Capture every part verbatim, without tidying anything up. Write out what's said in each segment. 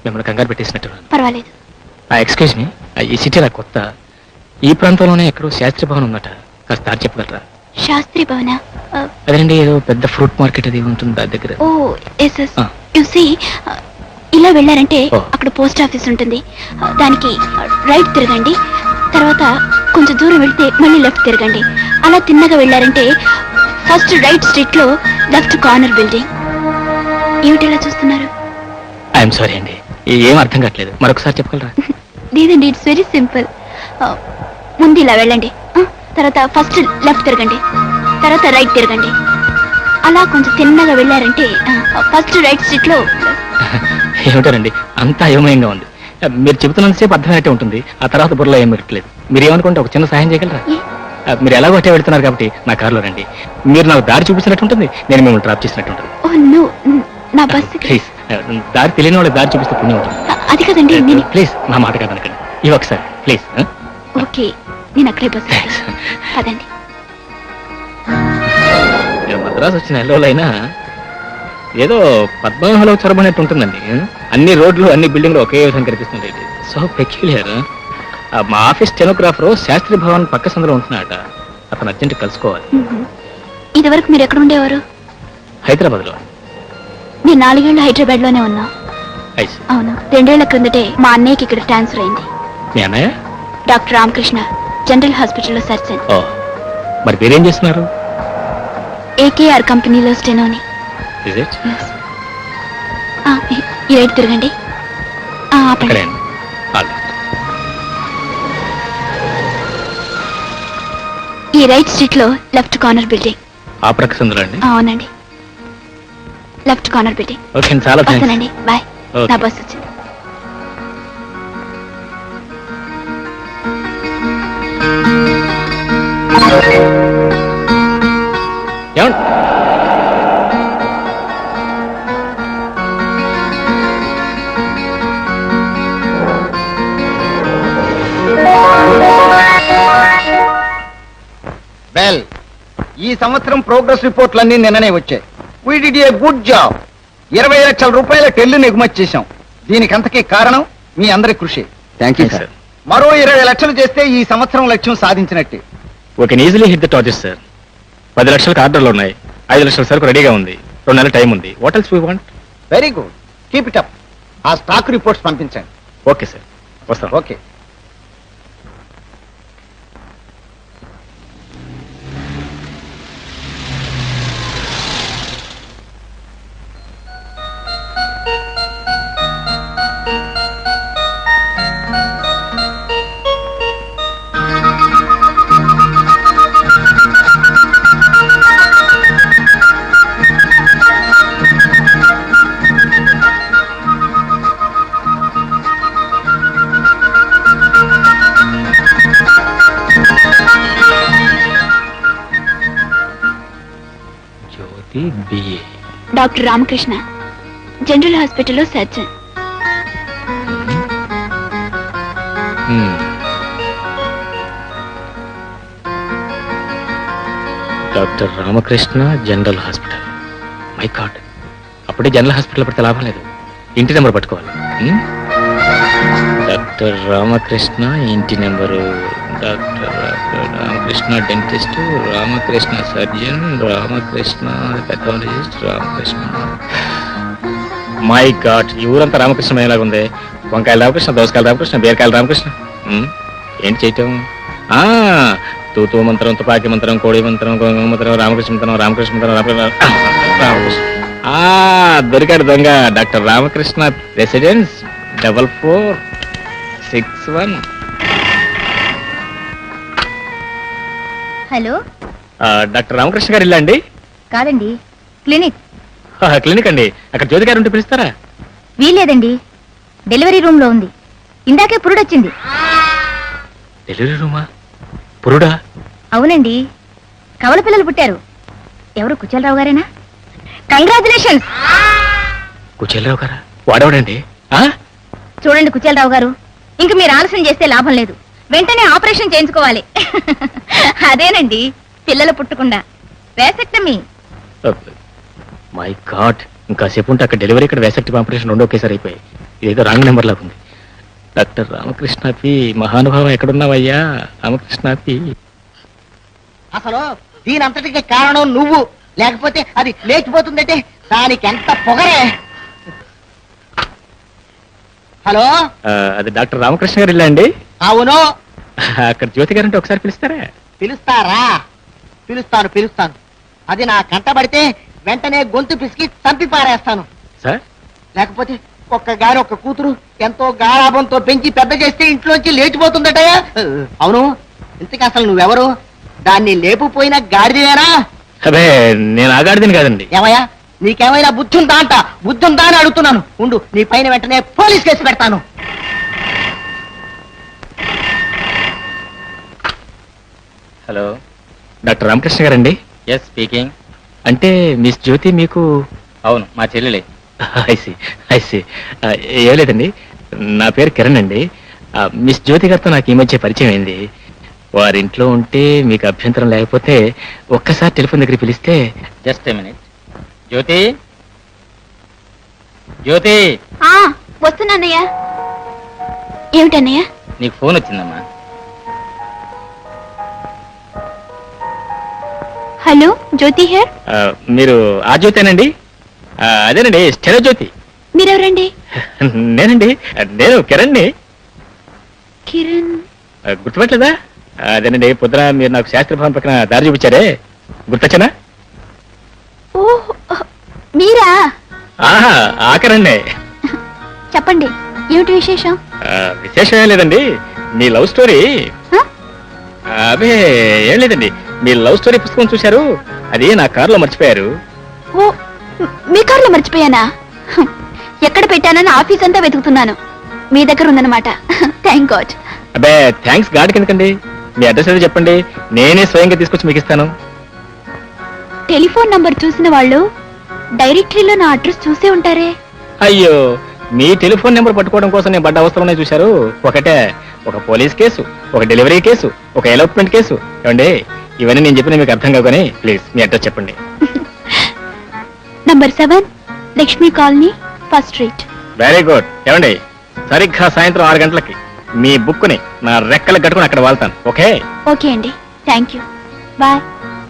మిమ్మల్ని కంగారు పెట్టేసినట్టు. పర్వాలేదు. ఎక్స్క్యూజ్ మీ, ఈ సిటీ నాకు కొత్త. ఈ ప్రాంతంలోనే ఎక్కడో శాస్త్రి భవన్ ఉందట, కాస్త దారి చెప్పగలరా? శాస్త్రి భవన? అదేనండి, ఏదో పెద్ద ఫ్రూట్ మార్కెట్ అది ఉంటుంది దాని దగ్గర. Oh yes yes. You see, ఇలా వెళ్ళారంటే అక్కడ పోస్ట్ ఆఫీస్ ఉంటుంది. దానికి రైట్ తిరగండి, తర్వాత కొంచెం దూరం వెళ్తే మళ్ళీ లెఫ్ట్ తిరగండి. అలా తిన్నగా వెళ్ళారంటే ఫస్ట్ రైట్ స్ట్రీట్ లో లెఫ్ట్ కార్నర్ బిల్డింగ్. ఏమిటి ఇలా చూస్తున్నారు? ఐఎమ్ సారీ అండి, ఏం అర్థం కావట్లేదు, మరొకసారి చెప్పగలరా? లేదండి, ఇట్స్ వెరీ సింపుల్. ముందు ఇలా వెళ్ళండి, తర్వాత ఫస్ట్ లెఫ్ట్ తిరగండి, తర్వాత రైట్ తిరగండి. అలా కొంచెం తిన్నగా వెళ్ళారంటే ఫస్ట్ రైట్ స్ట్రీట్ లో. ఏమిటారండి, అంతా అయోమయంగా ఉంది. మీరు చెబుతున్నంతసేపు అర్థమైనట్టే ఉంటుంది, ఆ తర్వాత బుర్రలో ఏం పెట్టలేదు. మీరు ఏమనుకుంటే ఒక చిన్న సహాయం చేయగలరా? మీరు ఎలాగో అట్టే వెళ్తున్నారు కాబట్టి నా కారులో రండి. మీరు నాకు దారి చూపించినట్టు ఉంటుంది, నేను మిమ్మల్ని డ్రాప్ చేసినట్టు ఉంటుంది. నా బస్సు ప్లీజ్, దారి తెలియని వాళ్ళకి దారి చూపిస్తే పుణ్యం ఉంటుంది. అది కదండి. ప్లీజ్ నా మాట కాదనకండి, ఇవి ఒకసారి ప్లీజ్. ఓకే, నేను అక్కడే బస్సు పదండి. మద్రాసు వచ్చిన ఎల్లోలైనా ఏదో పద్మనాభంలో చొరబడినట్టు ఉంటుందండి. అన్ని రోడ్లు అన్ని బిల్డింగ్లు ఒకే విధంగా కనిపిస్తుంది. So peculiar. మా ఆఫీస్ స్టెనోగ్రాఫర్ శాస్త్రి భవన్ పక్క సందులో ఉంటున్నాడట, అతను అర్జెంట్ కలుసుకోవాలి. ఇదివరకు మీరు ఎక్కడ ఉండేవారు? హైదరాబాద్ లో. నేను నాలుగేళ్లు హైదరాబాద్ లోనే ఉన్నా. అవును, రెండేళ్ల క్రిందటే మా అన్నయ్యకి ఇక్కడ ట్రాన్స్ఫర్ అయింది. మీ అన్నయ్య డాక్టర్ రామకృష్ణ, జనరల్ హాస్పిటల్లో సర్జన్. మరి మీరేం చేస్తున్నారు? ఏకేఆర్ కంపెనీలో స్టెనోని. ఈ రైట్ తిరగండి. ఈ రైట్ స్ట్రీట్ లో లెఫ్ట్ కార్నర్ బిల్డింగ్. ఆ ప్రక్క సందులో అండి? అవునండి, లెఫ్ట్ కార్నర్ బిల్డింగ్. ఓకే, చాలా వస్తానండి, బాయ్. నా బస్ వచ్చింది. వెల్, ఈ సంవత్సరం ప్రోగ్రెస్ రిపోర్ట్లన్నీ నిన్ననే వచ్చాయి. We did a good job. ఇరవై లక్షల రూపాయల టెల్లుని ఎగుమతి చేశాం. దీనికంతకీ కారణం మీ అందరి కృషి. Thank you sir. మరో ఇరవై లక్షలు చేస్తే ఈ సంవత్సరం లక్ష్యం సాధించినట్టే. Okay, easily hit the target sir. పది లక్షలకు ఆర్డర్లు ఉన్నాయి, ఐదు లక్షల సరుకు రెడీగా ఉంది, రెండు నెలల టైం ఉంది. What else we want? Very good, keep it up. ఆ స్టాక్ రిపోర్ట్స్ పంపించండి. ఓకే సార్, వస్తాం. ఓకే. డాక్టర్ రామకృష్ణ, జనరల్ హాస్పిటల్లో surgeon. Doctor Ramakrishna, general hospital. My God, అప్పుడే జనరల్ హాస్పిటల్ పడితే లాభం లేదు, ఇంటి నెంబర్ పట్టుకోవాలి. డాక్టర్ రామకృష్ణ ఇంటి number. Doctor Ramakrishna dentist, Ramakrishna surgeon, Ramakrishna pathologist, Ramakrishna. My God, ఈ ఊరంతా రామకృష్ణ ఎలాగ ఉంది. వంకాయల రామకృష్ణ, దోసకాయల రామకృష్ణ, బీరకాయల రామకృష్ణ. ఏంటి చేయటం? తూతూ మంత్రం, తుపాకీ మంత్రం, కోడి మంత్రం, గోంగ మంత్రం, రామకృష్ణ మంత్రం, రామకృష్ణ మంత్రం, రామకృష్ణ. దొరికాడు దొంగ. Doctor Ramakrishna residence, double four six one. Hello, doctor Ramakrishna గారు ఇల్లా అండి? కాదండి, క్లినిక్. క్లినిక్ అండి, అక్కడ జ్యోతి గారు ఉంటే పిలుస్తారా? వీలేదండి, డెలివరీ రూమ్ లో ఉంది. ఇందాకే పురుడొచ్చింది. డెలివరీ రూమా? పురుడా? అవునండి, కవల పిల్లలు పుట్టారు. ఎవరు, కుచలరావు గారేనా? కంగ్రాచులేషన్స్. కుచలరావు గారా? వాడేవాడండి? చూడండి కుచలరావు గారు, ఇంక మీరు ఆలస్యం చేస్తే లాభం లేదు. వెంటనే ఆపరేషన్ చేయించుకోవాలి. అదేనండి, పిల్లలు పుట్టకుండా వేసెక్టమీ. మై గాడ్, ఇంకాసేపు ఉంటే అక్కడ డెలివరీ, ఇక్కడ వేసెక్టమీ ఆపరేషన్ రెండు ఒకేసారి అయిపోయాయి. ఏదో రాంగ్ నెంబర్ లాగా ఉంది. డాక్టర్ రామకృష్ణాపి మహానుభావం ఎక్కడున్నావయ్యా రామకృష్ణాపి? అసలు దీని అంతటికి కారణం నువ్వు, లేకపోతే అది లేచిపోతుందంటే దానికి ఎంత పొగరే. హలో, ఆ, అది డాక్టర్ రామకృష్ణ గారు ఇల్లా అండి? అవును. అక్కడ జ్యోతి గారు అంటే ఒకసారి పిలుస్తారా? పిలుస్తారా? పిలుస్తాను పిలుస్తాను. అది నా కంటబడితే వెంటనే గొంతు పిసికి చంపి పారేస్తాను. సార్ లేకపోతే ఒక్క గారి ఒక్క కూతురు ఎంతో గారాభంతో పెంచి పెద్ద చేస్తే ఇంట్లోంచి లేచిపోతుందటయా. అవును, ఇంతకీ అసలు నువ్వెవరు? దాన్ని లేపుపోయిన గాడిదేనా? అదే నేను ఆగాడిదని కాదండి. ఏమయ్యా, నీకేమైనా బుద్ధి ఉందా అంట? బుద్ధి ఉందా అని అడుగుతున్నాను. ఉండు, నీ పైన వెంటనే పోలీస్ కేసు పెడతాను. హలో, డాక్టర్ రామకృష్ణ గారండి? Yes speaking. అంటే మిస్ జ్యోతి మీకు? అవును, మా చెల్లెలే. ఐసి ఐసి ఏం లేదండి, నా పేరు కిరణ్ అండి. ఆ, మిస్ జ్యోతి గారితో నాకు ఈ మధ్య పరిచయం అయింది. వారింట్లో ఉంటే మీకు అభ్యంతరం లేకపోతే ఒక్కసారి టెలిఫోన్ దగ్గర పిలిస్తే. Just a minute. జ్యోతి, జ్యోతి, ఆ, వస్తున్నానయ్యా. ఏమిటన్నయ్య? నీకు ఫోన్ వచ్చిందమ్మా. Hello, Jyothi here. ఆ, మీరు ఆ జ్యోతేనండి? ఆ, అదేనండి, స్టెరో జ్యోతి. మీరెవరండి? నేనండి, నేను కిరణ్ని. కిరణ్? ఆ, గుర్తుపట్టలేదా? అదేనండి, పొద్దున మీరు నాకు శాస్త్ర భవన్ పక్కన దారి చూపించారే, గుర్తొచ్చనా? ఓ, మీరా? ఆహా, ఆకరండి. చెప్పండి, ఏమిటి విశేషం? ఆ, విశేషం ఏం లేదండి, మీ లవ్ స్టోరీ. హ? అదే ఏం లేదండి, మీ లవ్ స్టోరీ పుస్తకం చూశారు, అది నా కారులో మర్చిపోయారు. ఓ, మీ కార్లో మర్చిపోయానా? హ్మ్. ఎక్కడ పెట్టానని ఆఫీస్ అంతా వెతుకుతున్నాను. మీ దగ్గర ఉందన్నమాట. Thank God. అబ్బే థ్యాంక్స్ గాడ్ కిందకండి. మీ అడ్రస్ ఏదో చెప్పండి, నేనే స్వయంగా తీసుకొచ్చి మీకు ఇస్తాను. టెలిఫోన్ నంబర్ చూసిన వాళ్ళు డైరెక్టరీలో నా అడ్రస్ చూసే ఉంటారే. అయ్యో, మీ టెలిఫోన్ నెంబర్ పట్టుకోవడం కోసం నేను పడ్డ అవసరం ఉన్నాయి చూశారు. ఒకటే, ఒక పోలీస్ కేసు, ఒక డెలివరీ కేసు, ఒక ఎలోప్మెంట్ కేసు. ఏమండి, ఇవన్నీ నేను చెప్పిన మీకు అర్థం కావు కానీ ప్లీజ్ మీ అడ్రస్ చెప్పండి. Number seven Lakshmi colony, first street. Very good. ఏమండి, సరిగ్గా సాయంత్రం ఆరు గంటలకి మీ బుక్ని నా రెక్కలు కట్టుకుని అక్కడ వాళ్తాను. ఓకే? ఓకే అండి, థ్యాంక్ యూ, బాయ్.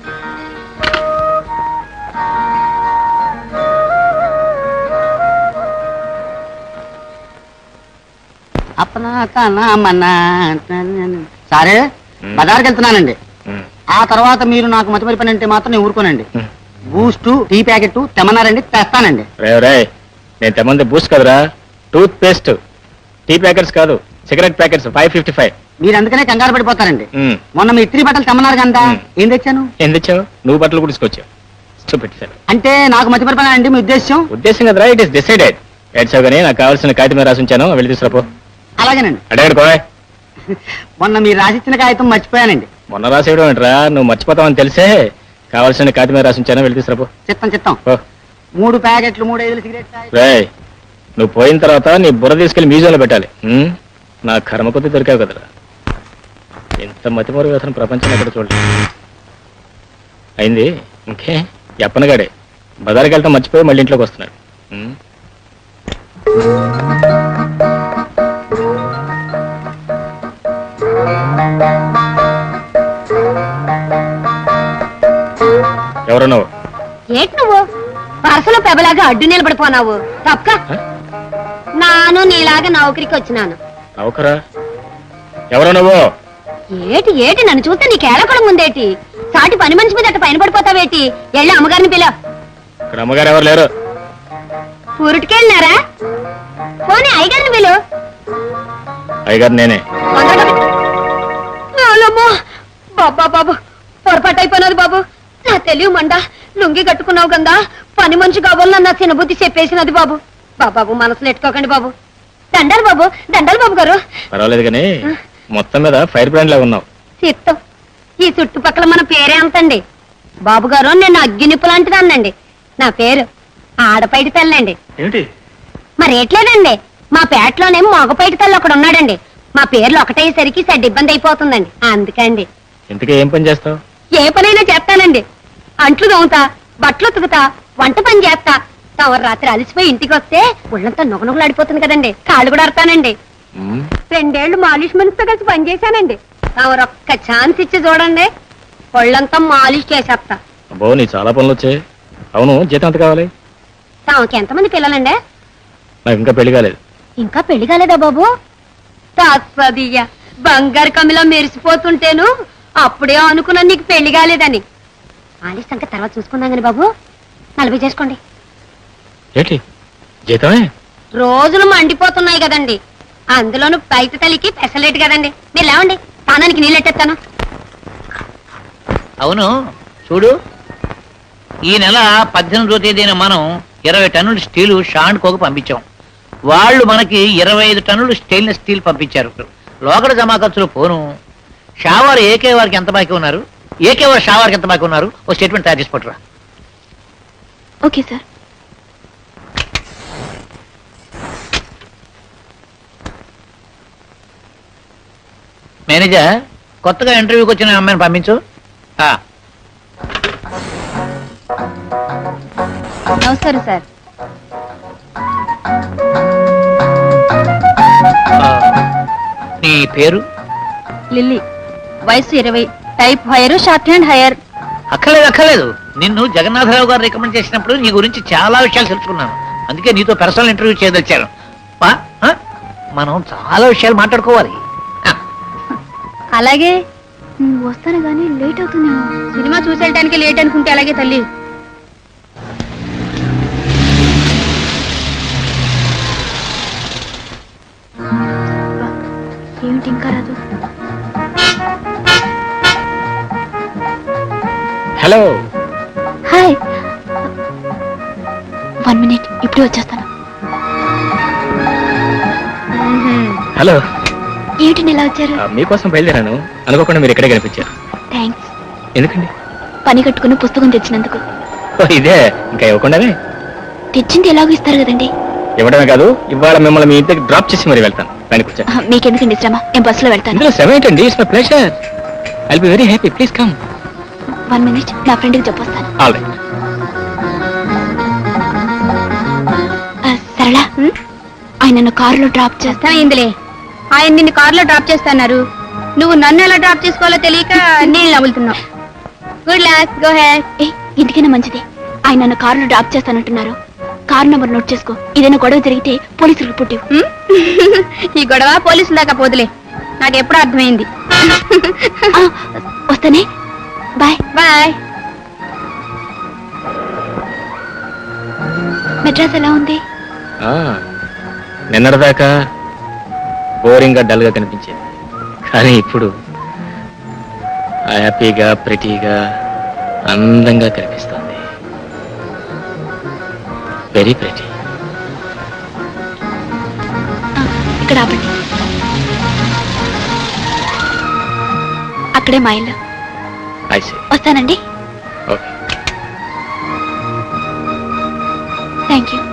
అప్పనా కన్నా మన్నా సరే, బజార్కి వెళ్తున్నానండి. ఉమ్, ఆ తర్వాత మీరు నాకు మతిమరి పని అంటే మాత్రం నేను ఊరుకోనండి. ఉమ్. బూస్ట్, టీ ప్యాకెట్ తెమ్మన్నారండి, తెస్తానండి. రే రే, నేను తెమ్మంది బూస్ట్ కదరా, టూత్ పేస్ట్. టీ ప్యాకెట్స్ కాదు, cigarette packets five fifty five. మీరు అందుకనే కంగారు పడిపోతారండి. మొన్న మీ ఇస్త్రీ బట్టలు తెమ్మన్నారు కదా, మ్. ఏం తెచ్చాను? ఏం తెచ్చావు? నువ్వు బట్టలు కూడా తీసుకొచ్చావు. చూపెట్టాను. అంటే నాకు మతిమరి పని అండి మీ ఉద్దేశం? ఉద్దేశం కదరా, ఇట్ ఇస్ డిసైడెడ్. ఏడ్చావు కానీ నాకు కావాల్సిన కాగితం మీద రాసి ఉంచాను, వెళ్ళి తీసుకురాపో. అలాగేనండి. అడగడు కోయ్. మొన్న మీరు రాసిచ్చిన కాగితం మర్చిపోయానండి. మొన్న రాసేయడం ఏంట్రా, నువ్వు మర్చిపోతావని తెలిసే కావాల్సిన కాగితం మీద రాసి ఉంచాను, వెళ్ళి తీసుకురాపో. చిత్తం చిత్తం. ఓ మూడు ప్యాకెట్లు, మూడు ఐదులు సిగరెట్ ప్యాకెట్లు. రే, నువ్వు పోయిన తర్వాత నీ బుర్ర తీసుకెళ్లి మ్యూజియంలో పెట్టాలి. ఉమ్, నా కర్మ కొద్ది దొరికావు కదరా. ఇంత మతిమరు వ్యసనం ప్రపంచం ఎక్కడ చూడలేదు. అయింది ఇంకే, ఎప్పనగాడే బజార్కి వెళ్తాం మర్చిపోయి మళ్ళీ ఇంట్లోకి వస్తున్నాడు. ఉమ్. ఎవరు నువ్వు? ఏటి నువ్వు పరసలో పెబలాగా అడ్డు నిలబడిపోనావు? తప్పక హ? నాను నీలాగా నౌకరికి వచ్చినాను. నౌకరా? ఎవరు నువ్వు? ఏటి ఏటి నన్ను చూస్తే నీకు ఏలకడం ఉందేటి? సాటి పని మనిషి మీద అట్ట పైన పడిపోతావేటి? వెళ్ళి అమ్మగారిని పిల. ఇక్కడ అమ్మగారు ఎవరు లేరు. ఊరిటికెళ్ళినారా? పోనీ అయ్యగారిని పిలు. అయ్యగారు నేనే. బాబా బాబు, పొరపాటు అయిపోయినది బాబు. నా తెలివి మండ, లుంగి కట్టుకున్నావు కదా, పని మనిషి కావాలని నా చిన్నబుద్ధి చెప్పేసినది బాబు. బాబాబు మనసులో ఎట్టుకోకండి బాబు. దండాలు బాబు, దండాలు బాబు గారు. పర్వాలేదు కానీ మొత్తం మీద ఫైర్ బ్రాండ్ లా ఉన్నావు. చిత్తం, ఈ చుట్టుపక్కల మన పేరే అంతండి. బాబు గారు, నేను అగ్గినిప్పు లాంటిదాన్నండి. నా పేరు ఆడపైటి తల్లండి. ఏమిటి? మరి ఏట్లేదండి, మా పేటలోనే మగపైటి తల్లి ఒకడు ఉన్నాడండి. మా పేర్లు ఒకటేసరికి సెడ్ ఇబ్బంది అయిపోతుందండి, అందుకండి. ఇంతకీ ఏం పని చేస్తావు? ఏ పనైనా చేస్తానండి. అంట్లు దోముతా, బట్టలు ఉతుకుతా, వంట పని చేస్తా, తమరు రాత్రి అలసిపోయి ఇంటికి వస్తే ఒళ్ళంతా నొగనొగలాడిపోతుంది కదండి, కాళ్ళు కూడా అడతానండి. మ్మ్. రెండేళ్లు మాలిష్ మనిషితో కలిసి పనిచేశానండి. తమరు ఒక్క ఛాన్స్ ఇచ్చి చూడండి, ఒళ్ళంతా మాలిష్ చేసేస్తా. అబ్బో నీ చాలా పనులు వచ్చాయి. అవును, జీతం ఎంత కావాలి? తమకి ఎంతమంది పిల్లలండి? నాకు ఇంకా పెళ్లి కాలేదు. ఇంకా పెళ్లి కాలేదా బాబు? తాత్పదియ్య బంగారు కమిలా మెరిసిపోతుంటేను అప్పుడే అనుకున్నా నీకు పెళ్లి కాలేదని. మాలిష్ సంగతి తర్వాత చూసుకుందాం కానీ బాబు, నలభై చేసుకోండి. ఏంటి జీతమే? రోజులు మండిపోతున్నాయి కదండి, అందులోను బయట తల్లికి పెసలేట్ కదండి. మీరు లేవండి, తానానికి నీళ్ళెట్టేస్తాను. అవును చూడు, ఈ నెల పద్దెనిమిదో తేదీన మనం ఇరవై టన్నుల స్టీలు షాండ్ కోకు పంపించాం. వాళ్ళు మనకి ఇరవై ఐదు టన్నులు స్టెయిన్లెస్ స్టీల్ పంపించారు. లోకల్ జమా ఖర్చులు పోను. షావార్ ఏకే వారికి ఎంత బాకీ ఉన్నారు, ఏకే వారు షావార్కి ఎంత బాకీ ఉన్నారు, ఓ స్టేట్మెంట్ తయారు చేసి పట్టురా. Okay sir. మేనేజర్, కొత్తగా ఇంటర్వ్యూకి వచ్చిన అమ్మాయిని పంపించు. ఆ, నమస్కారం సార్. ఆ, నీ పేరు? లిల్లీ, వయసు ఇరవై, type higher, shorthand higher. అక్కర్లేదు అక్కర్లేదు, నిన్ను జగన్నాథరావు గారు రికమెండ్ చేసినప్పుడు నీ గురించి చాలా విషయాలు తెలుసుకున్నాను. అందుకే నీతో పర్సనల్ ఇంటర్వ్యూ చేయదలిచాను. పా, ఆ? మనం చాలా విషయాలు మాట్లాడుకోవాలి. ఆ, అలాగే. వస్తాను కానీ లేట్ అవుతుందేమో. సినిమా చూసేయటానికి లేట్ అనుకుంటే అలాగే తల్లి. ఏమిటి ఇంకా రాదు? హలో. హాయ్, వన్ మినిట్, ఇప్పుడు వచ్చేస్తాను. హలో. ఏమిటి ఇలా వచ్చారు? ఆ, మీకోసం బయలుదేరాను, అనుకోకుండా మీరు ఇక్కడే కనిపించారు. థ్యాంక్స్. ఎందుకండి? పని కట్టుకుని పుస్తకం తెచ్చినందుకు. ఓ, ఇదే ఇంకా ఇవ్వకుండానే? తెచ్చింది ఎలాగో ఇస్తారు కదండి. ఇవ్వడమే కాదు, ఇవాళ మిమ్మల్ని మీ ఇంటికి డ్రాప్ చేసి మరి వెళ్తాను. పైన కూర్చో. ఆ, మీకెందుకండి శ్రమ, నేను బస్సులో వెళ్తాను. ఇందులో సెవెన్ ఏంటండి? It's my pleasure. I'll be very happy. Please come. One minute, నా ఫ్రెండ్కి చెప్పొస్తాను. All right. ఆ, సరళ, ఆయన నన్ను కారులో డ్రాప్ చేస్తా. ఇందులే ఆయన నిన్ను కారులో డ్రాప్ చేస్తున్నారు, నువ్వు నన్ను ఎలా డ్రాప్ చేసుకోవాలో తెలియక నేను నవ్వులుతున్నావు. Good luck, go ahead. ఏ, ఇంటికైనా మంచిది. ఆయన నన్ను కారులో డ్రాప్ చేస్తానంటున్నారు. కారు నంబర్ నోట్ చేసుకో. ఏదైనా గొడవ జరిగితే పోలీసులకు పుట్టివు. ఈ గొడవ పోలీసుల దాకా పోదులే, నాకు ఎప్పుడు అర్థమైంది. ఆ, వస్తానే. Bye bye. మెడ్రాస్ ఎలా ఉంది? ఆ, నిన్నటిదాకా బోరింగ్గా డల్గా కనిపించేది, కానీ ఇప్పుడు హ్యాపీగా ప్రిటీగా అందంగా కనిపిస్తుంది. Very pretty. ఆ, ఇక్కడ ఆపండి. అక్కడే మా ఇల్లు. I see. వస్తానండి. ఓకే. Thank you.